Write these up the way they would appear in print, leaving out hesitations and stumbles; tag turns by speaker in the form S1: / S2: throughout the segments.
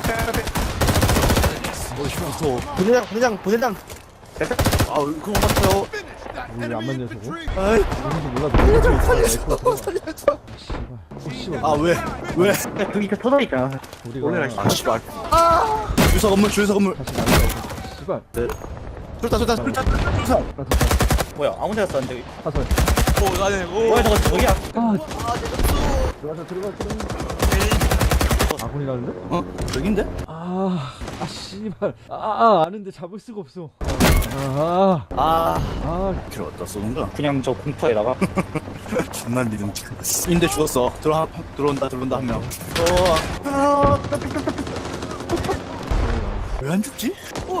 S1: 보내장. 아, 그거 맞아요.
S2: 우리 안 맞냐 저거?
S1: 아이,
S2: 뭔지 몰라. 씨발.
S1: 아, 왜?
S3: 그게 터져있잖아.
S2: 우리가
S3: 올라가시-
S1: 아, 씨발. 주유소 건물.
S2: 다시 나가자. 씨발.
S1: 술탄.
S3: 뭐야, 아무 데나 쐈는데.
S2: 사설.
S3: 뭐야, 저거 저기야.
S2: 아. 들어가. 아군이라는데?
S1: 어? 여긴데?
S2: 씨발. 아는데 잡을 수가 없어.
S1: 필요 없다, 쏘는가?
S3: 그냥 저 공터에다가.
S1: 존나 리듬 찍었어. 인데 죽었어. 들어온다, 한 명. 왜 안 죽지?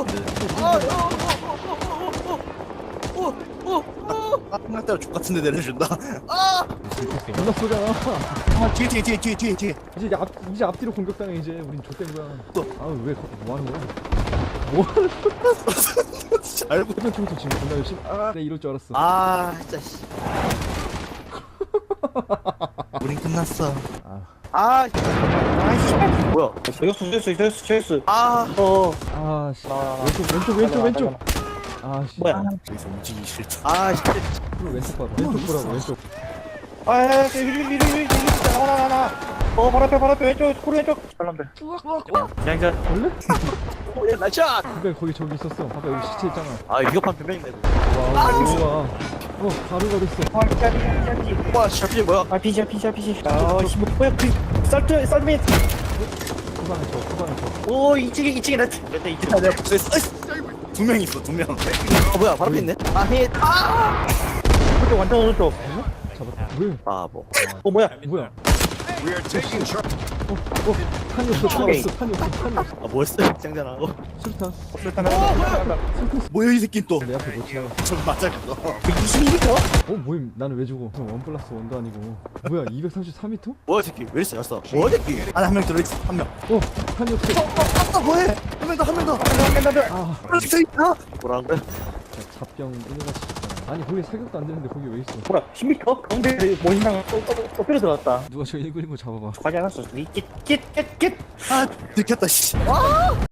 S1: 한날 따라 족같은데 내려준다.
S2: 존나 쏘잖아.
S1: 뒤에.
S2: 이제 앞뒤로 공격당해 이제. 우린 좆된 거야.
S1: 또.
S2: 왜 뭐 하는 거야? 뭐 하는
S1: 알고.
S2: 해변 청소 지금 존나 열심히. 내 이럴 줄 알았어.
S1: 진짜 씨. 우린 끝났어. 뭐야?
S3: 저격수.
S2: 씨. 왼쪽. 씨.
S3: 뭐야?
S1: 여기서 움직이기 싫다.
S2: 왼쪽 봐봐. 왼쪽 보라고 왼쪽.
S3: 바로 앞에 왼쪽, 코리 왼쪽. 잘난다. 그냥
S2: 원래?
S1: 나샷.
S2: 그래 거기 저기 있었어. 봐봐 여기 시체 있잖아.
S1: 위급한 변명인데.
S2: 와. 가루가 됐어.
S1: 와, 샤피 뭐야?
S3: 피지. 뭐야, 썰매.
S2: 후방에 쳐.
S3: 오, 이쪽에 나. 근데 이쪽.
S1: 내가 복수했어. 두 명 있어, 두 명. 뭐야, 바로 앞에 있네.
S3: 오른쪽, 완전 오른쪽.
S2: 잡았다. 왜?
S1: 바보.
S3: 뭐야?
S2: 뭐야? 탄이 없어.
S1: 뭐였어? 짱잖아.
S2: 술탄.
S1: 뭐야, 이 새끼 또.
S2: 내 앞에 못 지나가.
S1: 저 맞아, 그거.
S3: 22m?
S2: 뭐임? 나는 왜 죽어? 원 플러스 원도 아니고. 뭐야? 233m?
S1: 뭐야, 이 새끼. 왜 이렇게 잘했어? 뭐야, 이 새끼. 안에 한 명 들어있어, 한 명.
S2: 탄이 없어.
S1: 뭐해? 한 명 더. 들어있어, 있다. 뭐라고?
S2: 잡병 이래가지고. 아니 거기 사격도 안 되는데 거기 왜 있어?
S3: 뭐야, 10m? 가운데 모신당 또 필요 들어갔다.
S2: 누가 저 119 잡아봐.
S3: 가지 않았어.
S1: 들켰다, 씨.